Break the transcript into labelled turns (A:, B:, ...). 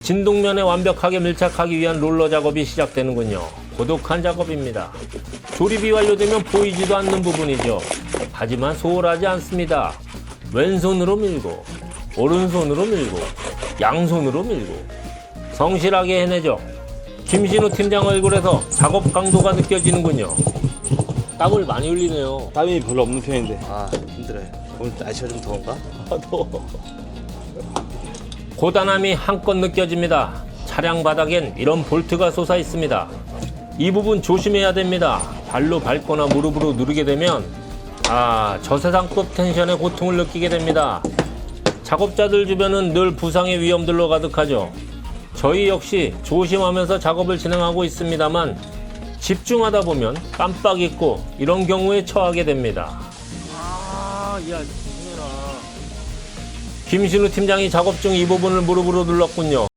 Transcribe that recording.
A: 진동면에 완벽하게 밀착하기 위한 롤러 작업이 시작되는군요. 고독한 작업입니다. 조립이 완료되면 보이지도 않는 부분이죠. 하지만 소홀하지 않습니다. 왼손으로 밀고 오른손으로 밀고 양손으로 밀고 성실하게 해내죠. 김신우 팀장 얼굴에서 작업 강도가 느껴지는군요. 땀을 많이 흘리네요.
B: 땀이 별로 없는 편인데.
C: 아 힘들어요. 오늘 날씨가 좀 더운가?
A: 고단함이 한껏 느껴집니다. 차량 바닥엔 이런 볼트가 솟아 있습니다. 이 부분 조심해야 됩니다. 발로 밟거나 무릎으로 누르게 되면 저세상급 텐션의 고통을 느끼게 됩니다. 작업자들 주변은 늘 부상의 위험들로 가득하죠. 저희 역시 조심하면서 작업을 진행하고 있습니다만 집중하다 보면 깜빡 잊고 이런 경우에 처하게 됩니다. 김신우 팀장이 작업 중 이 부분을 무릎으로 눌렀군요.